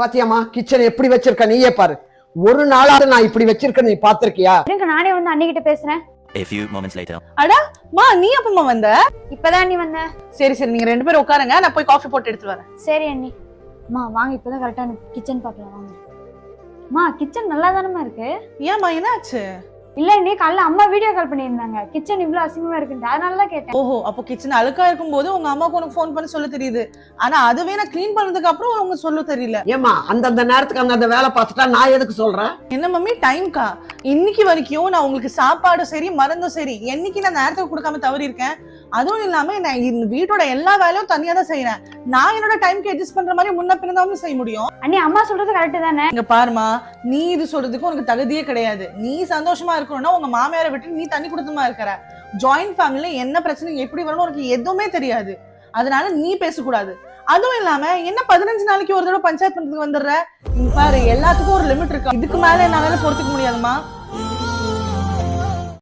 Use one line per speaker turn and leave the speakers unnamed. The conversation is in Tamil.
பாத்தியாமா கிச்சன் எப்படி வச்சிருக்க நீயே பாரு. ஒரு நாளாவது நான் இப்படி வச்சிருக்க நீ பாத்திருக்கியா?
நானே வந்து அண்ணிகிட்ட பேசுறேன்.
A few moments later.
அடா மா நீ அப்பமா வந்த?
இப்பதான் அண்ணி வந்த.
சரி சரி நீங்க ரெண்டு பேரும் உட்காருங்க, நான் போய் காஃபி போட்டு எடுத்து வரேன்.
சரி அண்ணி. அம்மா வாங்க, இப்பதான் கரெக்டா கிச்சன் பார்க்கலாம் வாங்க. அம்மா கிச்சன் நல்லா தானமா இருக்கு.
ஏமா என்னாச்சு?
இல்ல அண்ணி, காலைல அம்மா வீடியோ கால் பண்ணியிருந்தாங்க, கிச்சன் இவ்வளவு அசிங்கமா இருக்குன்னு, அதனாலதான் கேட்டேன்.
ஓஹோ, அப்போ கிச்சன் அழுக்கா இருக்கும் போது உங்க அம்மாக்கு உனக்கு ஃபோன் பண்ணி சொல்ல தெரியுது, ஆனா அதுவே நான் கிளீன் பண்ணதுக்கு அப்புறம் உங்க சொல்ல தெரியல.
ஏமா அந்தந்த நேரத்துக்கு அந்தந்த வேலை பார்த்துட்டா நான் எதுக்கு சொல்றேன்?
என்ன மம்மி டைம்க்கா? இன்னைக்கு வரைக்கும் நான் உங்களுக்கு சாப்பாடும் சரி மருந்தும் சரி என்னைக்கு நான் நேரத்துக்கு கொடுக்காம தவறி இருக்கேன்? அதுவும் இல்லாம நான் இந்த வீட்டோட எல்லா வேலையும் தனியா தான் செய்யறேன். நான் என்னோட டைம்க்கு அட்ஜஸ்ட் பண்ற மாதிரி முன்ன பின்னதான் செய்ய முடியும்.
அண்ணி அம்மா சொல்றது கரெக்ட் தானே?
இங்க பாருமா, நீ இது சொல்றதுக்கு உனக்கு தகுதியே கிடையாது. நீ சந்தோஷமா இருக்கணும்னா உங்க மாமியாரை விட்டு நீ தண்ணி கொடுத்துமா இருக்கிற. ஜாயிண்ட் ஃபேமிலில என்ன பிரச்சனை எப்படி வரணும் உனக்கு எதுவுமே தெரியாது, அதனால நீ பேசக்கூடாது. அதுவும் இல்லாம என்ன 15 நாளைக்கு ஒரு தடவை பஞ்சாயத்து பண்றதுக்கு வந்துடுற? இங்க பாரு, எல்லாத்துக்கும் ஒரு லிமிட் இருக்கு, இதுக்கு மேல என்னால பொறுத்துக்க முடியாதுமா.